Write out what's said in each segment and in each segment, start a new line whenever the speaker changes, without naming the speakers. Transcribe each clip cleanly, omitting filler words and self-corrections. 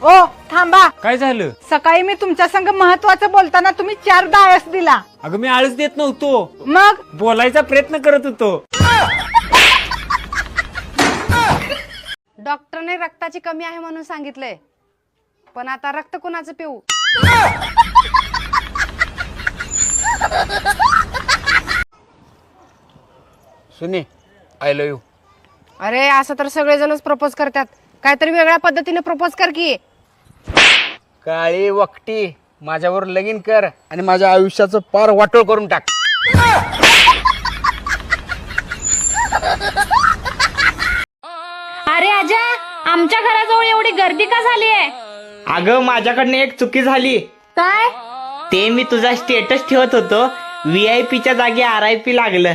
ओ थांबा.
काय झालं?
सकाळी मी तुमच्या संग महत्वाचं बोलताना तुम्ही 4 आळस दिला.
अगं मी आळस देत नव्हतो,
मग
बोलायचा प्रयत्न करत होतो.
डॉक्टरने रक्ताची कमी आहे म्हणून सांगितलंय, पण आता रक्त कुणाचं पिऊ?
सुने आय लव्ह यू.
अरे असं तर सगळेजणच प्रपोज करतात, काहीतरी वेगळ्या पद्धतीने प्रपोज कर की.
काळी वकटी माझ्यावर लगीन कर आणि माझ्या आयुष्याचं पार वाटोळ करून टाक.
अरे आजा, आमच्या घराजवळ एवढी गर्दी का झाली आहे?
अगं माझ्याकडनं एक चुकी झाली.
काय?
ते मी तुझा स्टेटस ठेवत होतो, VIP च्या जागी RIP लागलं.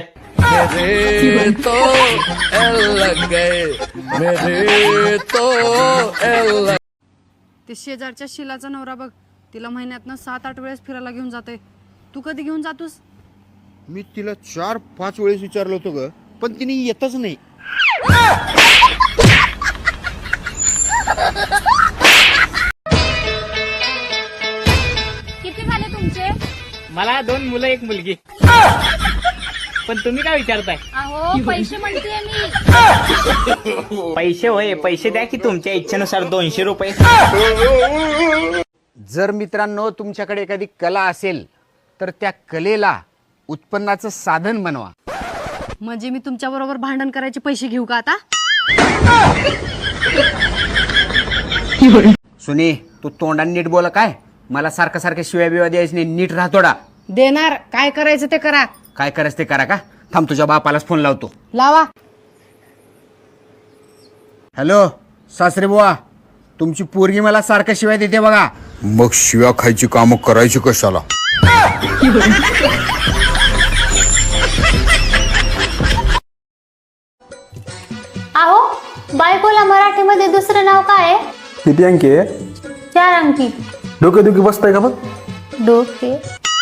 ते शेजारच्या शिलाचा नवरा बघ, तिला महिन्यातनं 7-8 वेळेस फिरायला घेऊन जाते. तू कधी घेऊन जातोस?
मी तिला 4-5 वेळेस विचारलं होतं ग, पण तिने येतच नाही.
किती झाले तुमचे?
मला 2 मुलं 1 मुलगी. पण तुम्ही काय विचारताय?
अहो पैसे म्हणतेय मी.
पैसे होय, पैसे द्या की तुमच्या इच्छेनुसार 200 रुपये.
जर मित्रांनो तुमच्याकडे एखादी कला असेल तर त्या कलेला उत्पन्नाचं साधन बनवा.
म्हणजे मी तुमच्या बरोबर भांडण करायचे पैसे घेऊ का आता?
सुने तू तोंडाने नीट बोला. काय मला सारखं सारखं शिव्या बिव्या द्यायचं नाही, नीट राहतोडा.
देणार, काय करायचं ते करा.
काय करायचं ते करा. का थांब तुझ्या बापालाच फोन लावतो.
लावा.
हॅलो सासरे बुवा, तुमची पोरगी मला सारखं शिवाय देते बघा.
मग शिव्या खायची कामं करायची कशाला?
अहो बायकोला मराठीमध्ये दुसरं नाव काय आहे?
किती अंकी आहे?
4 अंकी.
डोकेदुखी बसताय का बघ?
डोके.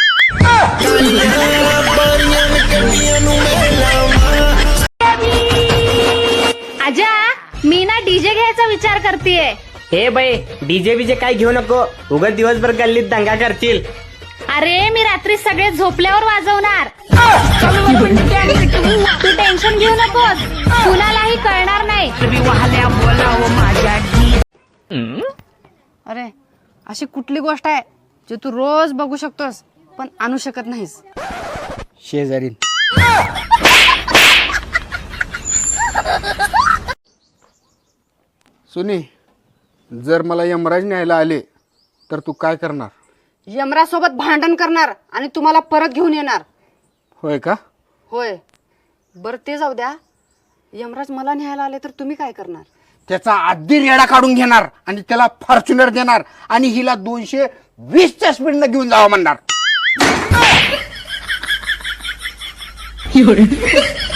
आजा, मी ना डीजे घ्यायचा विचार करतेय.
हे बाई, डीजे बीजे काय घेऊ नको, उगाच दिवसभर गल्लीत दंगा करतील.
अरे मी रात्री सगळे झोपल्यावर वाजवणार. तू टेन्शन घेऊ नकोस, कुणालाही कळणार नाही.
अरे अशी कुठली गोष्ट आहे जे तू रोज बघू शकतोस पण आणू शकत नाहीस?
शेजारी सुनी, जर मला यमराज न्यायला आले तर तू काय करणार?
यमरासोबत भांडण करणार आणि तुम्हाला परत घेऊन येणार.
होय का?
होय. बरं ते जाऊ द्या, यमराज मला न्यायला आले तर तुम्ही काय करणार?
त्याचा आधी रेडा काढून घेणार आणि त्याला फॉर्च्युनर देणार आणि हिला 220च्या स्पीडनं घेऊन जावं म्हणणार.